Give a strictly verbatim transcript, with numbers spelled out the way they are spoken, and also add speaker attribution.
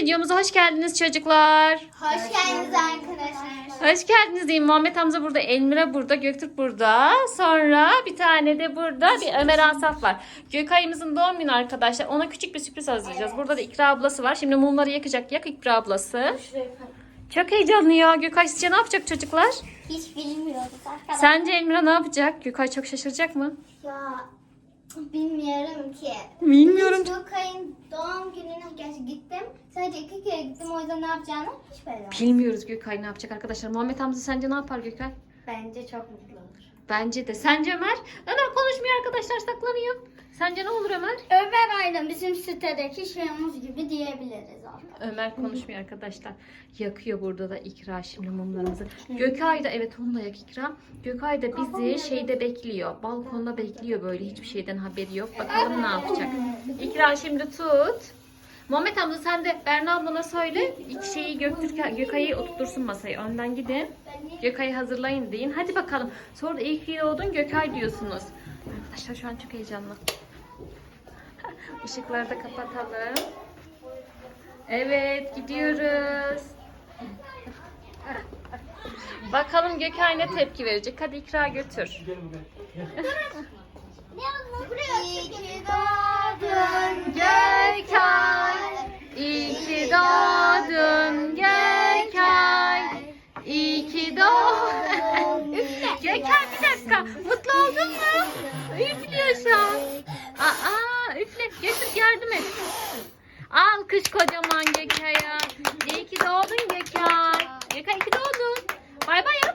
Speaker 1: videomuza hoş geldiniz çocuklar.
Speaker 2: Hoş geldiniz arkadaşlar.
Speaker 1: Hoş geldiniz diyeyim. Muhammed Hamza burada, Elmira burada, Göktürk burada. Sonra bir tane de burada bir Ömer Asaf var. Gökay'ımızın doğum günü arkadaşlar. Ona küçük bir sürpriz hazırlayacağız. Burada da İkra ablası var. Şimdi mumları yakacak. Yak İkra ablası. Çok heyecanlı ya. Gökay sizce ne yapacak çocuklar?
Speaker 2: Hiç bilmiyoruz arkadaşlar.
Speaker 1: Sence Elmira ne yapacak? Gökay çok şaşıracak mı?
Speaker 2: Ya bilmiyorum ki.
Speaker 1: Bilmiyorum.
Speaker 2: Hiç Gökay'ın doğum gününe gerçi gittim. Sadece iki kere gittim, o yüzden ne yapacağını hiç bilmiyorum.
Speaker 1: Bilmiyoruz Gökay ne yapacak arkadaşlar. Muhammed Hamza sence ne yapar Gökay?
Speaker 2: Bence çok mutlu olur.
Speaker 1: Bence de. Sence Ömer? Ömer konuşmuyor arkadaşlar, saklanıyor. Sence ne olur Ömer?
Speaker 2: Ömer Aydın bizim sitedeki şeyimiz gibi diyebiliriz artık.
Speaker 1: Ömer konuşmuyor arkadaşlar. Yakıyor burada da İkra şimdi mumlarımızı. Gökay da evet onu da yak İkra. Gökay da bizi şeyde bekliyor. Balkonda bekliyor böyle, hiçbir şeyden haberi yok. Bakalım ne yapacak. İkra şimdi tut. Muhammed Hamza sen de Berna ablana söyle. İki şeyi Göktürk, Gökay'ı oturtursun masaya. Önden gidin. Gökay'ı hazırlayın deyin. Hadi bakalım. Sonra da iyi ki doğdun Gökay diyorsunuz. Arkadaşlar şu an çok heyecanlı. Işıkları da kapatalım. Evet gidiyoruz. Bakalım Gökay ne tepki verecek. Hadi İkra götür.
Speaker 2: İyi ki doğdun
Speaker 1: Gökay. İyi ki doğdun Gökay. İyi ki doğdun. Gökay bir dakika. Mutlu oldun mu? Üflüyor şu an. Aa, üfle. Götür yardım et. Alkış kocaman Gökay'a. İyi ki doğdun Gökay. Gökay iyi ki doğdun. Bay bay.